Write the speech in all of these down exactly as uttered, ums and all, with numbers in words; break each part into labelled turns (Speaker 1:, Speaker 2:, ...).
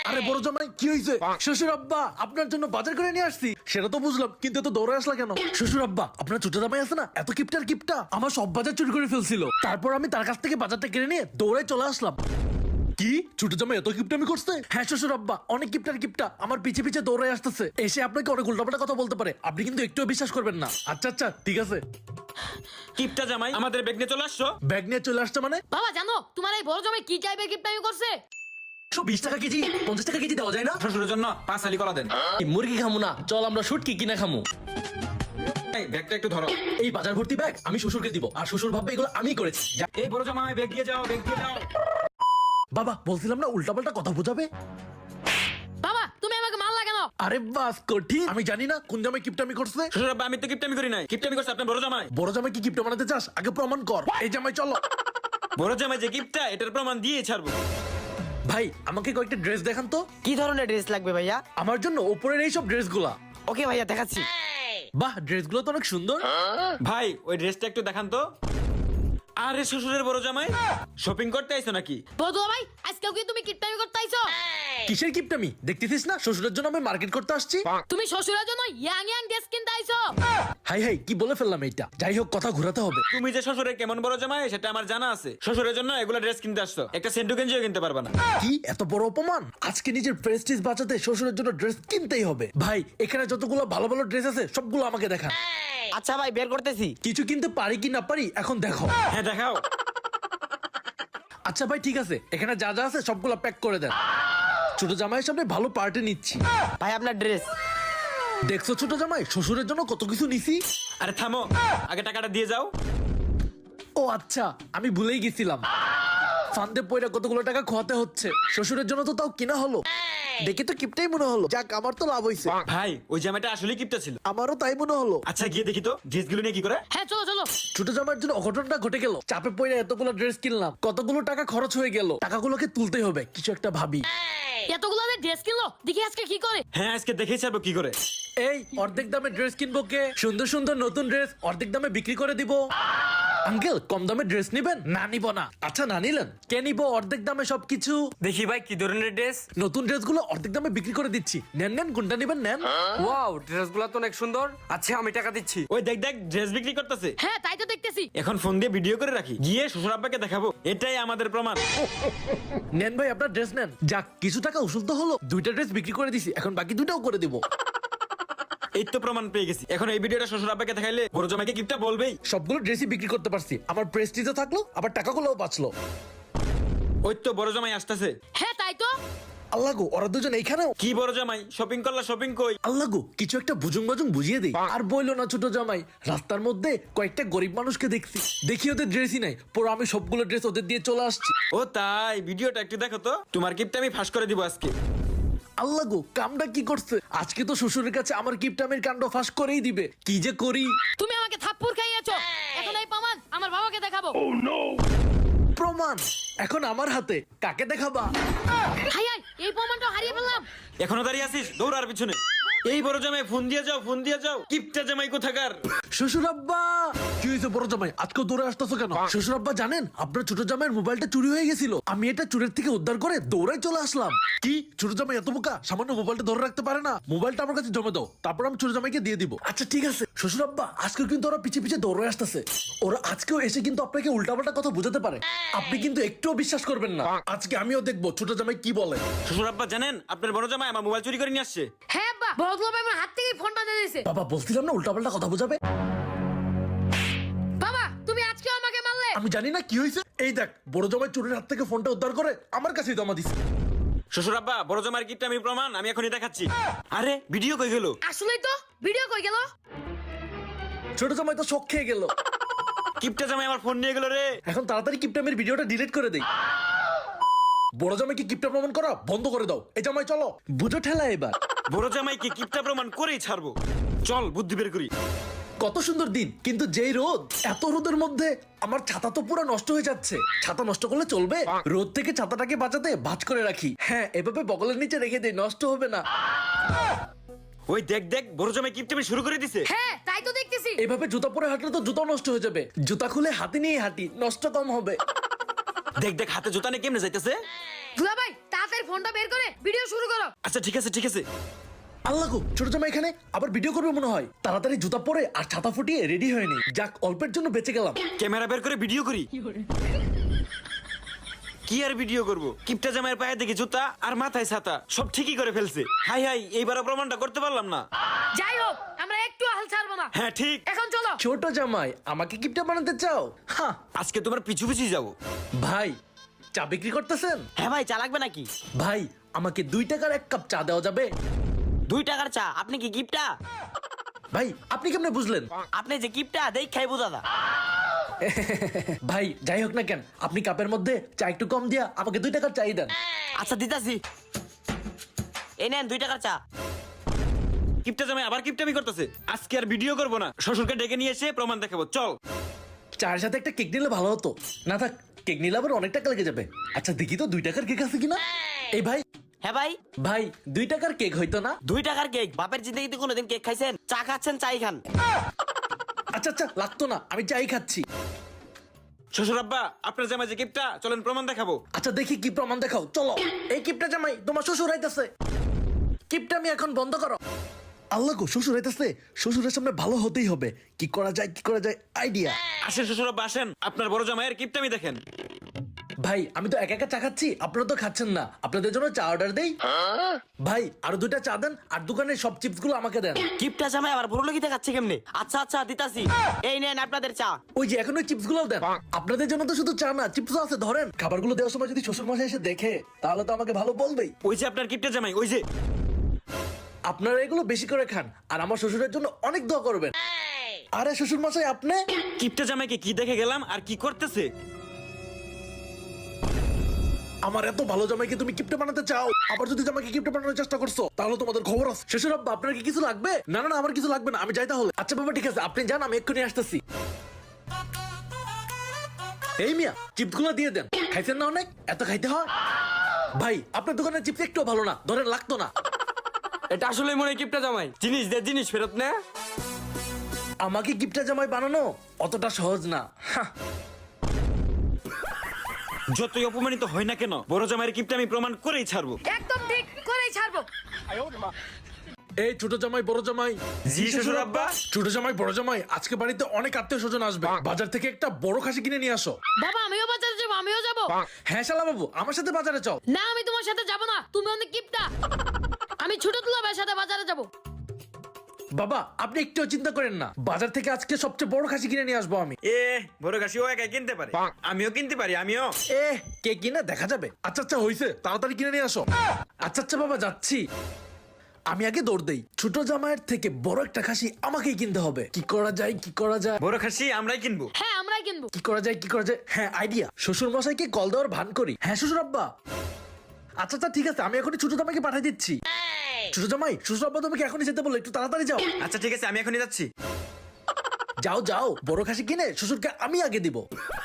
Speaker 1: আরে বড় জামাই কি হয়েছে? শ্বশুর আব্বা আপনার জন্য বাজার করে নিয়ে আসছি। সেটা তো বুঝলাম, কিন্তু এত দৌড়ে আসলা কেন? শ্বশুর আব্বা আপনার ছোট জামাই আছে না, এত কিপটার কিপটা আমার সব বাজার চুরি করে ফেলছিল। তারপর আমি তার কাছ থেকে বাজারটা কিনে নিয়ে দৌড়ে চলে আসলাম। কি ছোট জামাই এত কিপটামি করছে? হ্যাঁ শ্বশুর আব্বা, অনেক কিপটার কিপটা আমার পিছে পিছে দৌড়ে আসতেছে। এসে আপনাকে অনেক উল্টাপাল্টা কথা বলতে পারে, আপনি কিন্তু একটুও বিশ্বাস করবেন না। আচ্ছা আচ্ছা ঠিক আছে।
Speaker 2: কিপটা জামাই আমাদের ব্যাগ নিয়ে চলে আসছো।
Speaker 1: ব্যাগ নিয়ে চলে আসছে মানে?
Speaker 3: বাবা জানো তোমার এই বড় জামাই কি টাইপের কিপটামি করছে?
Speaker 1: একশো বিশ টাকা কেজি, পঞ্চাশ টাকা কেজি দেওয়া যায় না?
Speaker 2: শ্বশুরের জন্য পাঁচ আলি কলা দেন।
Speaker 1: এই মুরগি খামু না, চল আমরা শুটকি কিনা খামু।
Speaker 2: এই ব্যাগটা একটু ধরো।
Speaker 1: এই বাজার ভর্তি ব্যাগ আমি শ্বশুরকে দিব, আর শ্বশুর ভাববে এগুলো আমি করেছি। যা-
Speaker 2: এই বড় জামাই ব্যাগ দিয়ে যাও, ব্যাগ দিয়ে যাও।
Speaker 1: বাবা বলছিলাম না উল্টাপাল্টা কথা বোঝাবে।
Speaker 3: বাবা তুমি আমাকে মারলা কেন?
Speaker 1: আরে বাস কঠিন, আমি জানি না কোন জামাই কিপটামি করছে।
Speaker 2: শ্বশুর আব্বা আমি তো কিপটামি করি নাই, কিপটামি করছে আপনার বড় জামাই।
Speaker 1: বড় জামাই কি কিপটা বানাতে চাস? আগে প্রমাণ কর। এই জামাই চলো।
Speaker 2: বড় জামাই যে কিপটা এটার প্রমাণ দিয়ে ছাড়বো।
Speaker 1: ভাই আমাকে কয়েকটা ড্রেস দেখান তো।
Speaker 4: কি ধরনের ড্রেস লাগবে ভাইয়া?
Speaker 1: আমার জন্য উপরের এই সব ড্রেসগুলা।
Speaker 4: ওকে ভাইয়া দেখাচ্ছি।
Speaker 1: বাহ ড্রেসগুলো তো অনেক সুন্দর।
Speaker 2: ভাই ওই ড্রেসটা একটু দেখান তো। আরে শ্বশুরের বড় জামাই শপিং করতে আইছো নাকি?
Speaker 3: বড় ভাই আজকেও কি তুমি কিপটামি করতে আইছো?
Speaker 1: কিসের কিপটামি? দেখতেছিস না শ্বশুরের জন্য আমি মার্কেট করতে আসছি।
Speaker 3: তুমি শ্বশুরের জন্য ইয়াং ইয়াং ড্রেস কিনতে আইছো?
Speaker 1: হাই হাই কি বলে ফেললাম এইটা। যাই হোক কথা ঘোরাতে হবে।
Speaker 2: তুমি যে শ্বশুরের কেমন বড় জামাই সেটা আমার জানা আছে। শ্বশুরের জন্য এগুলো ড্রেস কিনতে আসছো, একটা সেন্টু গেঞ্জিও কিনতে পারবা না।
Speaker 1: কি এত বড় অপমান? আজকে নিজের প্রেস্টিজ বাঁচাতে শ্বশুরের জন্য ড্রেস কিনতেই হবে। ভাই এখানে যতগুলো ভালো ভালো ড্রেস আছে সবগুলো আমাকে দেখান।
Speaker 4: আচ্ছা ভাই বের করতেছি।
Speaker 1: কিছু কিনতে পারি কি না পারি এখন দেখো।
Speaker 2: হ্যাঁ দেখাও।
Speaker 1: আচ্ছা ভাই ঠিক আছে, এখানে যা যা আছে সবগুলো প্যাক করে দেন। ছোট জামাইয়ের সামনে ভালো পার্টি নিচ্ছি।
Speaker 4: ভাই আপনার ড্রেস।
Speaker 1: দেখছো ছোট জামাই শ্বশুরের জন্য কত কিছু নিছি।
Speaker 2: আরে থামো, আগে টাকাটা দিয়ে যাও।
Speaker 1: ও আচ্ছা আমি ভুলেই গেছিলাম। ফান্দে পয়রা কতগুলো টাকা খোয়াতে হচ্ছে। শ্বশুরের জন্য তো তাও কিনা হলো, দেখে তো কিপটাই মনে হলো। যাক আমার তো লাভ হয়েছে।
Speaker 2: ভাই ওই জামাইটা আসলে কিপটা ছিল।
Speaker 1: আমারও তাই মনে হলো।
Speaker 2: আচ্ছা গিয়ে দেখি তো ড্রেসগুলো নিয়ে কি করে।
Speaker 3: হ্যাঁ চলো চলো।
Speaker 1: ছোট জামাইয়ের জন্য অঘটনটা ঘটে গেল। চাপে পড়ে এতগুলো ড্রেস কিনলাম, কতগুলো টাকা খরচ হয়ে গেল। টাকাগুলোকে তুলতেই হবে, কিছু একটা ভাবি।
Speaker 3: এতগুলো ড্রেস কিনলো, দেখি আজকে কি করে।
Speaker 2: হ্যাঁ আজকে দেখেই ছাড়বো কি করে।
Speaker 1: এই অর্ধেক দামে ড্রেস কিনবো কে? সুন্দর সুন্দর নতুন ড্রেস অর্ধেক দামে বিক্রি করে দিব। আঙ্কেল কম দামে ড্রেস নিবেন? না নিব না। আচ্ছা না নিলেন, কে নিবো অর্ধেক দামে সবকিছু।
Speaker 5: দেখি ভাই কি ধরনের ড্রেস?
Speaker 1: নতুন ড্রেসগুলো অর্ধেক দামে বিক্রি করে দিচ্ছি। নেন নেন, কোনটা নিবেন নেন।
Speaker 5: ওয়াও ড্রেসগুলো তো অনেক সুন্দর। আচ্ছা আমি টাকা দিচ্ছি।
Speaker 2: ওই দেখ দেখ ড্রেস বিক্রি করতেছে।
Speaker 3: হ্যাঁ তাই তো দেখতেছি।
Speaker 2: এখন ফোন দিয়ে ভিডিও করে রাখি, গিয়ে শ্বশুর আব্বাকে দেখাবো। এটাই আমাদের প্রমাণ।
Speaker 1: নেন ভাই আপনার ড্রেস নেন। যাক কিছু টাকা উসুল তো হলো। দুইটা ড্রেস বিক্রি করে দিছি, এখন বাকি দুইটাও করে দিব।
Speaker 2: এই তো প্রমাণ পেয়ে গেছি। এখন এই ভিডিওটা শ্বশুর আব্বাকে দেখাইলে বড় জামাইকে কিপটা বলবেই।
Speaker 1: সবগুলো ড্রেসই বিক্রি করতে পারছি, আমার প্রেস্টিজও থাকলো, আবার টাকাগুলোও বাঁচলো।
Speaker 2: ওই তো বড় জামাই আসতেছে।
Speaker 3: হ্যাঁ তাই তো।
Speaker 1: আল্লাহ গো ওরা দুজন এইখানেও।
Speaker 2: কি বড় জামাই শপিং করলা, শপিং কই?
Speaker 1: আল্লাহ গো কিছু একটা বুজুং বাজুং বুঝিয়ে দেই। আর বইলো না ছোট জামাই, রাস্তার মধ্যে কয়েকটা গরিব মানুষকে দেখছি, দেখি ওদের ড্রেসই নাই, পরে আমি সবগুলো ড্রেস ওদের দিয়ে চলে আসছি।
Speaker 2: ও তাই, ভিডিওটা একটু দেখো তো। তোমার কিপটা আমি ফাঁস করে দিব আজকে।
Speaker 1: আল্লাহ গো কামটা কি করছে? আজকে তো শ্বশুরের কাছে আমার কিপটামের কাণ্ড ফাঁস করেই দিবে। কি যে করি।
Speaker 3: তুমি আমাকে থাপ্পড় খাইয়েছো, এখন এই প্রমাণ আমার বাবাকে দেখাবো।
Speaker 1: প্রমাণ এখন আমার হাতে, কাকে দেখাবা?
Speaker 3: হাই হাই এই প্রমাণটা হারিয়ে ফেললাম।
Speaker 2: এখনো দাঁড়িয়ে আছিস? দৌড়ার পিছনে। এই বড় জামাই ফোন দিয়ে যাও, ফোন দিয়ে যাও। কিপটা জামাই কোথাকার?
Speaker 1: শ্বশুর আব্বা কি হয়েছে বড় জামাই? আজকে দৌড়ে আসতেছো কেন? শ্বশুর আব্বা জানেন আপনার ছোট জামাইয়ের মোবাইলটা চুরি হয়ে গেছিল। আমি এটা চুরের থেকে উদ্ধার করে দৌড়াই চলে আসলাম। কি ছোট জামাই এত বোকা, সামান্য মোবাইলটা ধরে রাখতে পারে না? মোবাইলটা আমার কাছে জমা দাও, তারপর আমি ছোট জামাইকে দিয়ে দিব। আচ্ছা ঠিক আছে শ্বশুর আব্বা, আজকেও কিন্তু ওরা পিছে পিছে দৌড়ে আসতেছে। ওরা আজকেও এসে কিন্তু আপনাকে উল্টাপাল্টা কথা বোঝাতে পারে, আপনি কিন্তু একটুও বিশ্বাস করবেন না। আজকে আমিও দেখবো ছোট জামাই কি বলে।
Speaker 2: শ্বশুর আব্বা জানেন আপনার বড় জামাই আমার মোবাইল চুরি করে নিয়ে আসছে।
Speaker 3: হ্যাঁ আব্বা, বড় ভাই আমার হাত থেকে ফোনটা দিয়ে দিয়েছে।
Speaker 1: বাবা বলছিলাম না উল্টাপাল্টা কথা বোঝাবে।
Speaker 3: বাবা তুমি আজকেও আমাকে মারলে।
Speaker 1: আমি জানি না কি হয়েছে। এই দেখ বড় জামাই চোরের হাত থেকে ফোনটা উদ্ধার করে আমার কাছেই জমা দিছে।
Speaker 2: শ্বশুর আব্বা বড় জামাইয়ের কিপটা আমি প্রমাণ আমি এখনই দেখাচ্ছি। আরে ভিডিও কই গেল?
Speaker 3: আসলেই তো, ভিডিও কই গেল?
Speaker 1: ছোট জামাই তো শখ খেয়ে গেল।
Speaker 2: কিপটা জামাই আমার ফোন নিয়ে গেল রে।
Speaker 1: এখন তাড়াতাড়ি কিপটামের ভিডিওটা ডিলিট করে দেই। বড় জামাইকে কিপটা প্রমাণ করা বন্ধ করে দাও। এই জামাই চলো, বুঝো ঠেলা এবার।
Speaker 2: বড় জামাইকে কিপটা প্রমাণ করেই ছাড়বো। চল বুদ্ধি বের করি।
Speaker 1: কত সুন্দর দিন, কিন্তু যেই রোদ, এত রোদের মধ্যে আমার ছাতা তো পুরো নষ্ট হয়ে যাচ্ছে। ছাতা নষ্ট করলে চলবে? রোদ থেকে ছাতাটাকে বাঁচাতে ভাঁজ করে রাখি। হ্যাঁ এভাবে বগলের নিচে রেখে দেই, নষ্ট হবে না।
Speaker 2: ওই দেখ দেখ বড় জামাই কিপটামি শুরু করে দিছে।
Speaker 3: হ্যাঁ তাই তো দেখতেছি।
Speaker 1: এভাবে জুতা পরে হাঁটলে তো জুতা নষ্ট হয়ে যাবে। জুতা খুলে হাতে নিয়ে হাঁটি, নষ্ট কম হবে।
Speaker 2: দেখ দেখ হাতে জুতা নিয়ে কেমনে যাইতেছে।
Speaker 3: দুলা ভাই তাড়াতাড়ি ফোনটা বের করে ভিডিও শুরু করো।
Speaker 2: আচ্ছা ঠিক আছে ঠিক আছে।
Speaker 1: আল্লাহ গো, ছোট জামাই এখানে আবার ভিডিও করবে মনে হয়। তাড়াতাড়ি জুতা পরে আর ছাতা ফুটিয়ে রেডি হয়ে নি। যাক, অল্পের জন্য বেঁচে গেলাম।
Speaker 2: ক্যামেরা বের করে ভিডিও করি। কি আর ভিডিও করব? কিপটা জামাইয়ের পায়ে দেখি জুতা আর মাথায় ছাতা, সব ঠিকই করে ফেলছে। হাই হাই, এইবারও প্রমাণটা করতে পারলাম না।
Speaker 3: যাই হোক, আমরা একটু হাল ছাড়বো না।
Speaker 2: হ্যাঁ ঠিক।
Speaker 3: এখন চলো।
Speaker 1: ছোট জামাই, আমাকে কিপটা বানাতে চাও? হ্যাঁ
Speaker 2: আজকে তোমার পিছু পিছু যাবো।
Speaker 1: ভাই, চা বিক্রি করতেছেন?
Speaker 4: হ্যাঁ ভাই, চা লাগবে নাকি?
Speaker 1: ভাই, আমাকে দুই টাকার এক কাপ চা দেওয়া যাবে?
Speaker 4: দুই টাকার চা? আপনি কি গিফটটা?
Speaker 1: ভাই, আপনি কেমনে বুঝলেন?
Speaker 4: আপনি যে গিফটটা দেখ খাই বুঝা দা।
Speaker 1: ভাই, যাই হোক না কেন, আপনি কাপের মধ্যে চা একটু কম দিয়া আমাকে দুই টাকার চাই দেন।
Speaker 4: আচ্ছা দিতাছি, এই নেন দুই টাকার চা।
Speaker 2: কিপটা জামাই আবার কিপটামি করতেছে। আজকে আর ভিডিও করবো না, শ্বশুরকে ডেকে নিয়ে এসে প্রমাণ দেখাবো। চল।
Speaker 1: চায়ের সাথে একটা কেক নিলে ভালো হতো। না থাক, কেক নিলে আবার অনেক টাকা লেগে যাবে। আচ্ছা দেখি তো দুই টাকার কেক আছে কিনা। এই ভাই,
Speaker 4: হ্যাঁ ভাই,
Speaker 1: ভাই দুই টাকার কেক হইতো না?
Speaker 4: দুই টাকার কেক? বাপের জিন্দগিতে কোনোদিন কেক খাইছেন? চা খাচ্ছেন, চাই খান।
Speaker 1: আচ্ছা আচ্ছা, লাগতো না, আমি চাই খাচ্ছি।
Speaker 2: শ্বশুর আব্বা, আপনার জামাই যে কিপটা, চলেন প্রমাণ দেখাবো।
Speaker 1: আচ্ছা দেখি কি প্রমাণ দেখাও, চলো। এই কিপটা জামাই, তোমার শ্বশুর আইতাছে। কিপটা আমি এখন বন্ধ করো। আল্লাহ গো, শ্বশুর আইতাছে। শ্বশুরের সামনে ভালো হতেই হবে। কি করা যায়, কি করা যায়, আইডিয়া।
Speaker 2: আসেন শ্বশুর আব্বা আসেন, আপনার বড় জামাইয়ের কিপটামি দেখেন।
Speaker 1: ভাই, আমি তো একা একা চা খাচ্ছি, আপনারা তো খাচ্ছেন না। আপনাদের জন্য চা অর্ডার দেই। ভাই, আরো দুইটা চা দেন, আর দোকানের সব চিপস গুলো আমাকে দেন।
Speaker 4: গিফটটা জামাই আবার বড় লগিতে খাচ্ছে কেমনে? আচ্ছা আচ্ছা দিতাছি, এই নেন আপনাদের চা।
Speaker 1: ওই যে এখন ওই চিপস গুলো দেন। আপনাদের জন্য তো শুধু চা না, চিপসও আছে, ধরেন। খাবারগুলো দেওয়ার সময় যদি শ্বশুর মশাই এসে দেখে, তাহলে তো আমাকে ভালো বলবেই।
Speaker 2: ওই যে আপনার কিপটা জামাই, ওই যে।
Speaker 1: আপনারা এগুলো বেশি করে খান, আর আমার শ্বশুরের জন্য অনেক দোয়া করবেন। আরে শ্বশুর মশাই, আপনি?
Speaker 2: কিপটা জামাইকে কি দেখে গেলাম আর কি করতেছে?
Speaker 1: আমার এত ভালো জামাইকে তুমি কিপটা বানাতে চাও, আবার যদি জামাইকে কিপটা বানানোর চেষ্টা করছো, তাহলে তোমাদের খবর আছে। শ্বশুর আব্বা, আপনার কি কিছু লাগবে? না না না, আমার কিছু লাগবে না, আমি যাই তাহলে। আচ্ছা বাবা, ঠিক আছে, আপনি যান, আমি এক্ষুনি আসতেছি। এই মিয়া, চিপস গুলো দিয়ে দেন। খাইছেন না অনেক? এত খাইতে হয়? ভাই, আপনার দোকানের চিপস একটু ভালো না, ধরেন, লাগতো না।
Speaker 5: এটা আসলে মনে হয় কিপটা জামাই।
Speaker 2: জিনিস দে, জিনিস ফেরত নে।
Speaker 1: আমাকে কিপটা জামাই বানানো অতটা সহজ না। হাহ।
Speaker 2: যতই অপমানিত হয় না কেন, বড় জামাইয়ের কিপটা আমি প্রমাণ করেই ছাড়বো।
Speaker 3: একদম ঠিক করেই ছাড়বো।
Speaker 1: এই ছোট জামাই, বড় জামাই।
Speaker 2: জি শ্বশুর আব্বা।
Speaker 1: ছোট জামাই, বড় জামাই, আজকে বাড়িতে অনেক আত্মীয় স্বজন আসবে। বাজার থেকে একটা বড় খাসি কিনে নিয়ে আসো।
Speaker 3: বাবা, আমিও বাজারে যাবো, আমিও যাবো।
Speaker 1: হ্যাঁ শালা বাবু, আমার সাথে বাজারে চল।
Speaker 3: না, আমি তোমার সাথে যাবো না, তুমি অনেক কিপটা। আমি ছোট দুলা ভাইয়ের সাথে বাজারে যাবো।
Speaker 1: বাবা, আপনি একটু চিন্তা করেন না, বাজার থেকে আজকে সবচেয়ে বড় খাসি কিনে নিয়ে আসবো আমি।
Speaker 2: এ বড় কাশি ও একাই কিনতে পারে, আমিও কিনতে পারি, আমিও।
Speaker 1: এ, কে কিনে দেখা যাবে। আচ্ছা আচ্ছা, হইছে, তাড়াতাড়ি কিনে নিয়ে আসো। আচ্ছা আচ্ছা বাবা, যাচ্ছি। আমি আগে দৌড় দেই। ছোট জামাইয়ের থেকে বড় একটা খাসি আমাকেই কিনতে হবে। কি করা যায়, কি করা যায়,
Speaker 2: বড় খাসি আমরাই কিনবো।
Speaker 3: হ্যাঁ, আমরাই কিনবো।
Speaker 1: কি করা যায়, কি করা যায়। হ্যাঁ, আইডিয়া। শ্বশুর মশাইকে কল দেওয়ার ভান করি। হ্যাঁ শ্বশুর আব্বা। আচ্ছা আচ্ছা, ঠিক আছে, আমি এখনই ছোট জামাইকে পাঠিয়ে দিচ্ছি। ছোট জামাই, শ্বশুর আব্বা তোমাকে এখনই যেতে বললো, একটু তাড়াতাড়ি যাও।
Speaker 2: আচ্ছা ঠিক আছে, আমি এখনই যাচ্ছি।
Speaker 1: যাও যাও, বড় খাসি কিনে শ্বশুরকে আমি আগে দিব।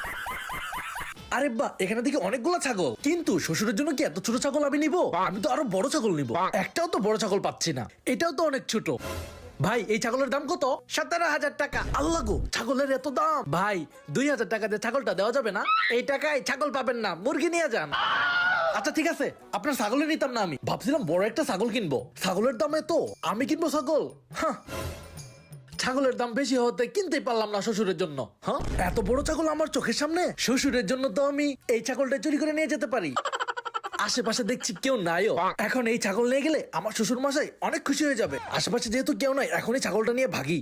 Speaker 1: আরে বা, এখানে দেখি অনেকগুলো ছাগল, কিন্তু শ্বশুরের জন্য কি এত ছোট ছাগল আমি নিব? আমি তো আরো বড় ছাগল নিব। একটাও তো বড় ছাগল পাচ্ছি না, এটাও তো অনেক ছোট। ভাই, এই ছাগলের দাম কত? সতেরো হাজার টাকা। আল্লাহ গো, ছাগলের এত দাম। ভাই, দুই হাজার টাকা দিয়ে ছাগলটা দেওয়া যাবে না? এই টাকায় ছাগল পাবেন না, মুরগি নিয়ে যান। আচ্ছা ঠিক আছে, আপনার ছাগলে নিতাম না। আমি ভাবছিলাম বড় একটা ছাগল কিনবো। ছাগলের দামে তো আমি কিনবো ছাগল? হ্যাঁ, ছাগলের দাম বেশি হতে কিনতেই পারলাম না শ্বশুরের জন্য। হ্যাঁ, এত বড় ছাগল আমার চোখের সামনে। শ্বশুরের জন্য তো আমি এই ছাগলটা চুরি করে নিয়ে যেতে পারি। আশেপাশে দেখছি কেউ নাইও। এখন এই ছাগল নিয়ে গেলে আমার শ্বশুর মশাই অনেক খুশি হয়ে যাবে। আশেপাশে যেহেতু কেউ নাই, এখন এই ছাগলটা নিয়ে ভাগি।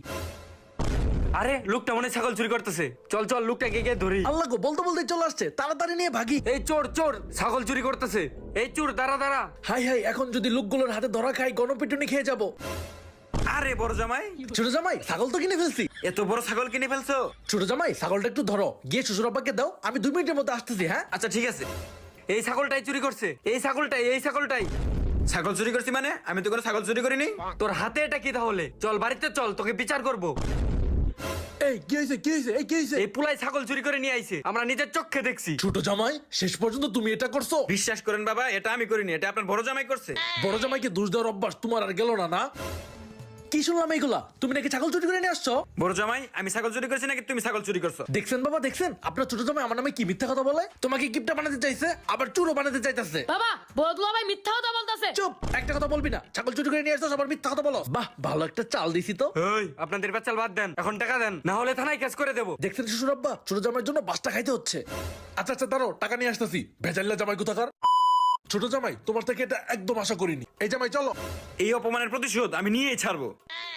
Speaker 5: আরে লোকটা মনে হয় ছাগল চুরি করতেছে। চল চল, লোকটাকে গিয়ে ধরি।
Speaker 1: আল্লাহ গো, বলতে বলতে চলে আসছে, তাড়াতাড়ি নিয়ে ভাগি।
Speaker 5: এই চোর চোর, ছাগল চুরি করতেছে। এই চোর, দাঁড়া দাঁড়া।
Speaker 1: হাই হাই, এখন যদি লোকগুলোর হাতে ধরা খাই, গণপিটুনি খেয়ে যাবো।
Speaker 2: আরে বড় জামাই,
Speaker 1: ছোট জামাই, ছাগল তো কিনে ফেলছি।
Speaker 2: এত বড় ছাগল কিনে ফেলছো?
Speaker 1: ছোট জামাই, ছাগলটা একটু ধরো, গিয়ে শ্বশুর আব্বাকে দাও, আমি দুই মিনিটের মধ্যে আসতেছি। হ্যাঁ
Speaker 2: আচ্ছা ঠিক আছে।
Speaker 5: এই ছাগলটাই চুরি করছে, এই ছাগলটাই, এই ছাগলটাই।
Speaker 2: ছাগল চুরি করছি মানে? আমি তো কোনো ছাগল চুরি করিনি।
Speaker 5: তোর হাতে এটা কি তাহলে? চল বাড়িতে চল, তোকে বিচার করব।
Speaker 1: এই কি হয়েছে, কি হয়েছে, এই কি হয়েছে?
Speaker 5: এই পুলাই ছাগল চুরি করে নিয়ে আইছে, আমরা নিজের চোখে দেখছি।
Speaker 1: ছোট জামাই, শেষ পর্যন্ত তুমি এটা করছো?
Speaker 2: বিশ্বাস করেন বাবা, এটা আমি করিনি, এটা আপনার বড় জামাই করছে।
Speaker 1: বড় জামাইকে দোষ দেওয়ার অভ্যাস তোমার আর গেল না, না? কি শুনলাম এইগুলা? তুমি নাকি ছাগল চুরি করে নিয়ে আসছো?
Speaker 2: বড় জামাই আমি ছাগল চুরি করছি নাকি তুমি ছাগল চুরি করছো?
Speaker 1: দেখছেন বাবা, দেখছেন আপনার ছোট জামাই আমার নামে কি মিথ্যা কথা বলে? তোমাকে গিফটটা বানাতে চাইছে, আবার চুরো বানাতে চাইতেছে।
Speaker 3: বাবা বড় দুলা ভাই মিথ্যা কথা বলতাছে।
Speaker 1: চুপ, একটা কথা বলবি না। ছাগল চুরি করে নিয়ে আসছো, আবার মিথ্যা কথা বলো। বাহ, ভালো একটা চাল দিছি তো।
Speaker 5: ওই আপনাদের বাচ্চাল বাদ দেন, এখন টাকা দেন, না হলে থানায় কেস করে দেবো।
Speaker 1: দেখছেন শ্বশুর আব্বা, ছোট জামাইয়ের জন্য বাসটা খাইতে হচ্ছে। আচ্ছা আচ্ছা দাঁড়াও, টাকা নিয়ে আসতেছি। ভেজাল্লা জামাই কোথাকার। ছোট জামাই, তোমার থেকে এটা একদম আশা করিনি। এই জামাই চলো।
Speaker 2: এই অপমানের প্রতিশোধ আমি নিয়েই ছাড়বো।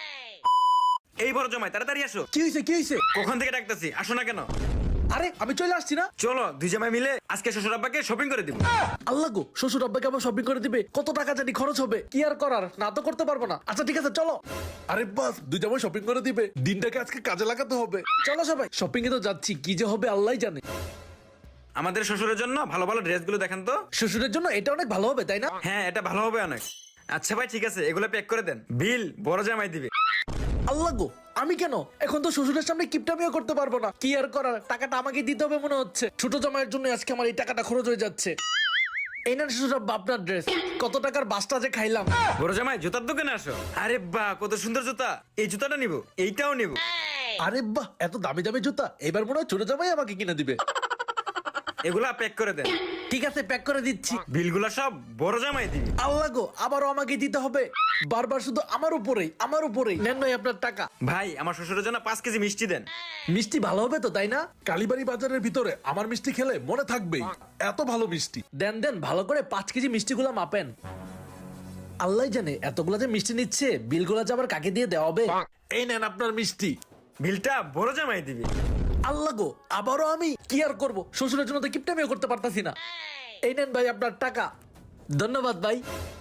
Speaker 2: এই বড় জামাই তাড়াতাড়ি আসো।
Speaker 1: কি হয়েছে, কি হয়েছে?
Speaker 2: কখন থেকে ডাকতেছি, আসো না কেন?
Speaker 1: আরে আমি চলে আসছি না।
Speaker 2: চলো দুই জামাই মিলে আজকে শ্বশুর আব্বাকে শপিং করে দিব।
Speaker 1: আল্লাহ গো, শ্বশুর আব্বাকে আবার শপিং করে দিবে। কত টাকা জানি খরচ হবে, কি আর করার, না তো করতে পারবো না। আচ্ছা ঠিক আছে চলো। আরে বাস, দুই জামাই শপিং করে দিবে, দিনটাকে আজকে কাজে লাগাতে হবে। চলো সবাই, শপিং এ তো যাচ্ছি, কি যে হবে আল্লাহই জানে।
Speaker 2: আমাদের শ্বশুরের জন্য ভালো ভালো ড্রেসগুলো দেখেন তো।
Speaker 1: শ্বশুরের জন্য এটা অনেক ভালো হবে, তাই না?
Speaker 2: হ্যাঁ এটা ভালো হবে অনেক। আচ্ছা ভাই ঠিক আছে, এগুলো প্যাক করে দেন, বিল বড় জামাই দিবে।
Speaker 1: আল্লাহ গো, আমি কেন এখন তো শ্বশুরের সামনে কিপটামিও করতে পারবো না। কি আর করার, টাকাটা আমাকে দিতে হবে মনে হচ্ছে। ছোট জামাইয়ের জন্য আজকে আমার এই টাকাটা খরচ হয়ে যাচ্ছে। এই না শ্বশুর আব্বা আপনার ড্রেস। কত টাকার বাসটা যে খাইলাম।
Speaker 2: বড় জামাই জুতার দোকানে আসো। আরে বাহ কত সুন্দর জুতা, এই জুতাটা নিব, এইটাও নিব।
Speaker 1: আরে বাহ, এত দামি দামি জুতা, এবার মনে হয় ছোট জামাই আমাকে কিনে দিবে।
Speaker 2: এগুলা প্যাক করে দেন।
Speaker 1: ঠিক আছে, প্যাক করে দিচ্ছি।
Speaker 2: বিলগুলা সব বড় জামাই দিবে।
Speaker 1: আল্লাহ গো, আবারও আমাকে দিতে হবে। বারবার শুধু আমার উপরেই, আমার উপরেই। নেন নয় আপনার টাকা।
Speaker 2: ভাই আমার শ্বশুরের জন্য পাঁচ কেজি মিষ্টি দেন।
Speaker 1: মিষ্টি ভালো হবে তো, তাই না? কালীবাড়ি বাজারের ভিতরে আমার মিষ্টি খেলে মনে থাকবেই, এত ভালো মিষ্টি। দেন দেন, ভালো করে পাঁচ কেজি মিষ্টিগুলা মাপেন। আল্লাহ জানে এতগুলা যে মিষ্টি নিচ্ছে, বিলগুলা যে আবার কাকে দিয়ে দেওয়া হবে। এই নেন আপনার মিষ্টি।
Speaker 2: বিলটা বড় জামাই দিবে।
Speaker 1: আল্লাহ গো, আবারও আমি কি আর করবো, শ্বশুরের জন্য তো কিপটামিও করতে পারতাছি না। এই নেন ভাই আপনার টাকা। ধন্যবাদ ভাই।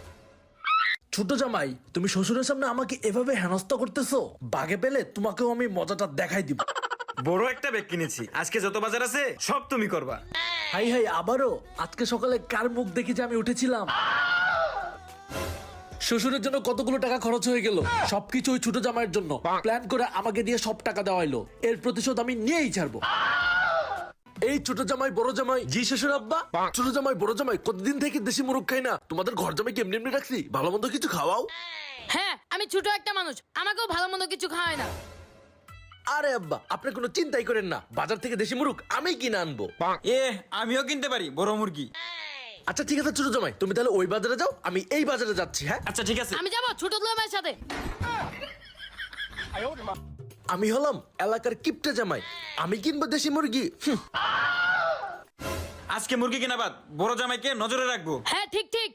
Speaker 1: ছোট জামাই, তুমি শ্বশুরের সামনে আমাকে এভাবে হেনস্থা করতেছো, বাগে পেলে তোমাকেও আমি মজাটা দেখাই দিব।
Speaker 2: বড় একটা ব্যাগ কিনেছি, আজকে যত বাজার আছে সব তুমি করবা।
Speaker 1: হাই হাই, আবারও আজকে সকালে কার মুখ দেখে যে আমি উঠেছিলাম। শ্বশুরের জন্য কতগুলো টাকা খরচ হয়ে গেল, সবকিছু ওই ছোট জামাইয়ের জন্য। প্ল্যান করে আমাকে দিয়ে সব টাকা দেওয়া হলো, এর প্রতিশোধ আমি নিয়েই ছাড়বো। এই ছোট জামাই বড় জামাই। জি শ্বশুর আব্বা। ছোট জামাই বড় জামাই, কতদিন থেকে দেশি মুরগ খাই না। তোমাদের ঘর জামাই কেমনি এমনি রাখছি, ভালো মন্দ কিছু খাওয়াও।
Speaker 3: হ্যাঁ আমি ছোট একটা মানুষ, আমাকেও ভালো মন্দ কিছু খাওয়ায় না।
Speaker 1: আরে আব্বা, আপনি কোনো চিন্তাই করেন না, বাজার থেকে দেশি মুরগ আমি কিনে আনবো।
Speaker 2: এ আমিও কিনতে পারি বড় মুরগি।
Speaker 1: আচ্ছা ঠিক আছে ছোট জামাই, তুমি তাহলে ওই বাজারে যাও, আমি এই বাজারে যাচ্ছি। হ্যাঁ
Speaker 2: আচ্ছা ঠিক আছে।
Speaker 3: আমি যাবো ছোট দুলা ভাইয়ের সাথে।
Speaker 1: আমি হলাম এলাকার কিপটা জামাই, আমি কিনবো দেশি মুরগি। হুম,
Speaker 2: আজকে মুরগি কেনা বাদ, বড় জামাইকে নজরে রাখবো।
Speaker 3: হ্যাঁ ঠিক ঠিক।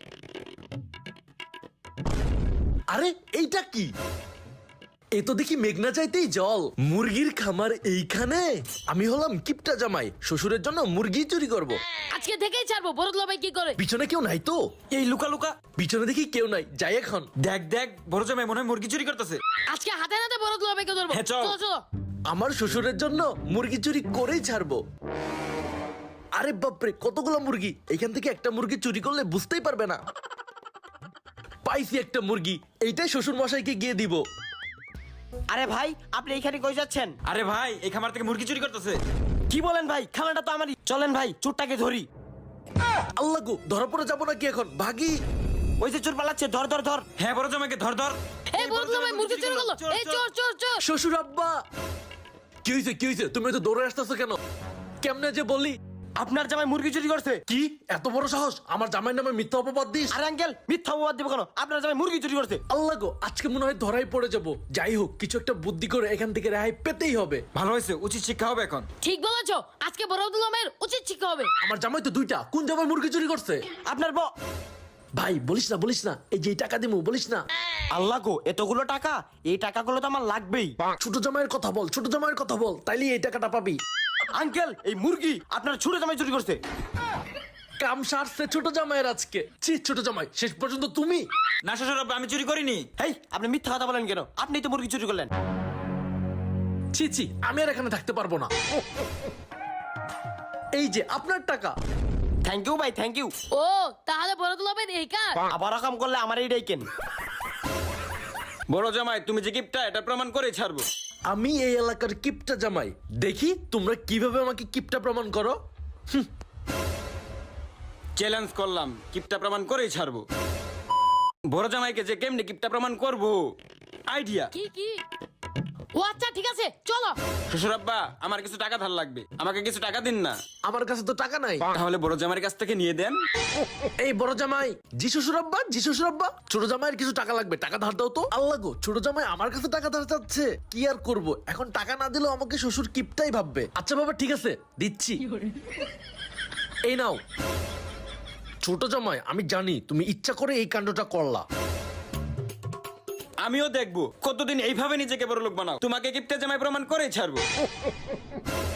Speaker 1: আরে এইটা কি? এ তো দেখি মেঘনা চাইতেই জল। মুরগির খামার এইখানে। আমি হলাম কিপটা জামাই, শ্বশুরের জন্য মুরগি চুরি করব।
Speaker 3: আজকে থেকেই ছাড়বো, বড় দুলা ভাই কি করে।
Speaker 1: পিছনে কেউ নাই তো?
Speaker 2: এই লুকা লুকা,
Speaker 1: পিছনে দেখি কেউ নাই, যাই এখন।
Speaker 2: দেখ দেখ বড় জামাই মনে হয় মুরগি চুরি করতেছে।
Speaker 3: আজকে হাতে নাতে বড় দুলা ভাইকে ধরবো।
Speaker 2: হ্যাঁ, চল।
Speaker 3: চলো চলো।
Speaker 1: আমার শ্বশুরের জন্য মুরগি চুরি করেই ছাড়বো। আরে বাপরে, কতগুলো মুরগি, এখান থেকে একটা মুরগি চুরি করলে বুঝতেই পারবে না। পাইছি একটা মুরগি, এইটাই শ্বশুর মশাইকে গিয়ে দিব।
Speaker 4: আরে ভাই, আপনি এইখানে কই যাচ্ছেন?
Speaker 2: আরে ভাই এই খামার থেকে মুরগি চুরি করতেছে।
Speaker 4: কি বলেন ভাই? খানাটা তো আমারই। চলেন ভাই, চোরটাকে ধরি।
Speaker 1: আল্লাহ গো, ধরা পড়ে যাবো নাকি এখন? ভাগি।
Speaker 4: ওই যে চোর পালাচ্ছে, ধর ধর ধর।
Speaker 2: হ্যাঁ বড় জামাইকে ধর ধর।
Speaker 3: এই বড় দুলা ভাই মুরগি চুরি করলো। এই চোর চোর চোর।
Speaker 1: শ্বশুর আব্বা, কি হয়েছে কি হয়েছে? তুমি তো দৌড়ে আসতেছো কেন? কেমনে যে বলি?
Speaker 4: আপনার জামাই মুরগি চুরি করছে।
Speaker 1: কি এত বড় সাহস, আমার জামাইয়ের নামে মিথ্যা অপবাদ দিস?
Speaker 4: আরে আঙ্কেল, মিথ্যা অপবাদ দিব কেন? আপনার জামাই মুরগি চুরি করছে।
Speaker 1: আল্লাহ গো, আজকে মনে হয় ধরাই পড়ে যাব। যাই হোক, কিছু একটা বুদ্ধি করে এখান থেকে রেহাই পেতেই হবে।
Speaker 2: ভালো হয়েছে, উচিত শিক্ষা হবে এখন।
Speaker 3: ঠিক বলেছো, আজকে বড় দুলা ভাইয়ের উচিত শিক্ষা হবে।
Speaker 1: আমার জামাই তো দুইটা, কোন জামাই মুরগি চুরি করছে?
Speaker 4: আপনার ব
Speaker 1: ভাই বলিস না বলিস না, এই যে এই টাকা দিমু, বলিস না।
Speaker 4: আল্লাহ গো, এতগুলো টাকা, এই টাকাগুলো তো আমার লাগবেই।
Speaker 1: ছোট জামাইয়ের কথা বল, ছোট জামাইয়ের কথা বল, তাইলে এই টাকাটা পাবি।
Speaker 4: আঙ্কেল, এই মুরগি আপনার ছোট জামাই চুরি করছে।
Speaker 1: কাম সারছে ছোট জামাইয়ের আজকে। ছি ছোট জামাই, শেষ পর্যন্ত তুমি।
Speaker 2: না শ্বশুর আব্বা আমি চুরি করিনি।
Speaker 4: হেই, আপনি মিথ্যা কথা বলেন কেন? আপনিই তো মুরগি চুরি করলেন।
Speaker 1: ছি ছি, আমি আর এখানে থাকতে পারবো না। এই যে আপনার টাকা।
Speaker 4: থ্যাংক ইউ ভাই, থ্যাংক ইউ।
Speaker 3: ও তাহলে বড় দুলা ভাইয়ের এই কাজ।
Speaker 4: আবার কাম করলে আমার এইটাই কেন।
Speaker 2: বড় জামাই তুমি যে গিফটটা এটা প্রমাণ করে ছাড়বো।
Speaker 1: আমি এই এলাকার কিপটা জামাই, দেখি তোমরা কিভাবে আমাকে কিপটা প্রমাণ করো।
Speaker 2: চ্যালেঞ্জ করলাম, গিফটটা প্রমাণ করেই ছাড়বো। বড় জামাইকে যে কেমনে গিফটটা প্রমাণ করবো আইডিয়া।
Speaker 3: কি কি ও আচ্ছা ঠিক আছে চলো।
Speaker 2: শ্বশুর আব্বা আমার কিছু টাকা ধার লাগবে, আমাকে কিছু টাকা দিন না।
Speaker 1: আমার কাছে তো টাকা নাই।
Speaker 2: তাহলে বড় জামাইয়ের কাছ থেকে নিয়ে দেন।
Speaker 1: এই বড় জামাই, জি শ্বশুর আব্বা, জি শ্বশুর আব্বা, ছোট জামাইয়ের কিছু টাকা লাগবে, টাকা ধার দাও তো। আল্লাহ গো, ছোট জামাই আমার কাছে টাকা ধার চাচ্ছে, কি আর করব, এখন টাকা না দিলেও আমাকে শ্বশুর কিপটাই ভাববে। আচ্ছা বাবা ঠিক আছে, দিচ্ছি। এই নাও। ছোট জামাই, আমি জানি তুমি ইচ্ছা করে এই কাণ্ডটা করলা।
Speaker 2: আমিও দেখবো কতদিন এইভাবে নিজেকে বড় লোক বানাও, তোমাকে কিপটা জামাই প্রমাণ করেই ছাড়বো।